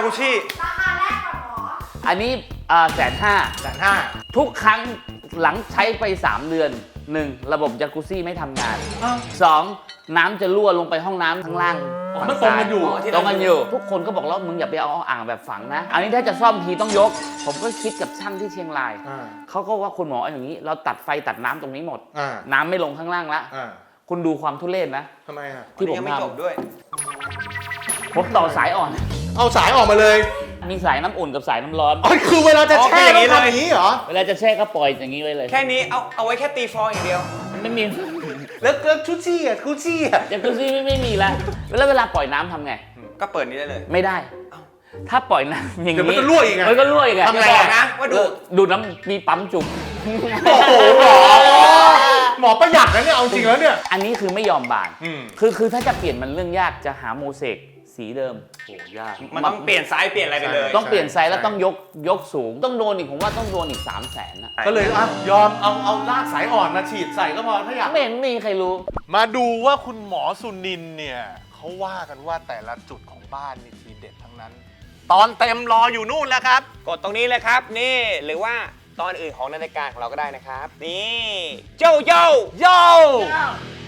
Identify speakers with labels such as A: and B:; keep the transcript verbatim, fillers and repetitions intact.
A: กุชี่
B: ราคาแรกก่อนหมอ
C: อันนี้แสนห้า
A: แสนห้า
C: ทุกครั้งหลังใช้ไปสามเดือนหนึ่งระบบจากุซี่ไม่ทำงานสองน้ำจะรั่วลงไปห้องน้ำข้างล่าง
A: มันตรงกันอยู่
C: ตรงกันอยู่ ทุกคนก็บอกแล้วมึงอย่าไปเอาอ่างแบบฝังนะ อันนี้ถ้าจะซ่อมทีต้องยก ผมก็คิดกับช่างที่เชียงรายเขาก็ว่าคุณหมออย่างนี้เราตัดไฟตัดน้ำตรงนี้หมดน้ำไม่ลงข้างล่างละคุณดูความทุเรศนะ
A: ทำไมอ่ะ
C: ที่ผม
D: ยังไม่จบด้วย
C: ผมต่อสายอ่อน
A: เอาสายออกมาเลย
C: มีสายน้ำอุ่นกับสายน้ำร้อน
A: อ๋อคือเวลาจะแช่ต้องทำอย่างนี้เหรอ
C: เวลาจะแช่ก็ปล่อยอย่างนี้ไว้เลย
D: แค่นี้เอาเอาไว้แค่ตีฟองอย่างเดียว
C: ไม่มี
A: แล้วแล้วชุดชี่อ่ะชุดชี่อ่ะ
C: จากุซี่ไม่ไม่มีแล้วแล้วเวลาปล่อยน้ำทำไง
D: ก็เปิดนี้ได้เลย
C: ไม่ได้ ถ้าปล่อยน้ำอย่างนี้
A: เดี๋ยวมันก็รั่วอีกไง
C: มันก็รั่วอีกไง
D: ทำไงอะนะว่าดู
C: ดูดน้ำมีปั๊มจุ่ม
A: โอ้โหหมอหมอประหยัดนะเนี่ยเอาจริงแล้วเนี่ย
C: อันนี้คือไม่ยอมบาน
A: อืม
C: คือคือถ้าจะเปลี่ยนมันเรื่องยากจะหาโมเสกสีเดิม
A: โอ้ยาก
D: มันต้องเปลี่ยนไซส์เปลี่ยนอะไรไปเลย
C: ต้องเปลี่ยนไซส์แล้วต้องยกยกสูง ต้องโดนอีกผมว่าต้องโดนอีกสามแสนนะ
A: ก็เลยอ่ะยอมเอาเอาลากสายอ่อนมาฉีดใส่ก็พอถ้าอยาก
C: ไม่เห็นมีใครรู้
E: มาดูว่าคุณหมอสุนินเนี่ยเขาว่ากันว่าแต่ละจุดของบ้านนี่ทีเด็ดทั้งนั้น ตอนเต็มรออยู่นู่นแล้วครับ
D: กดตรงนี้เลยครับนี่หรือว่าตอนอื่นของนาฬิกาของเราก็ได้นะครับ นี่โยโย่
E: โย่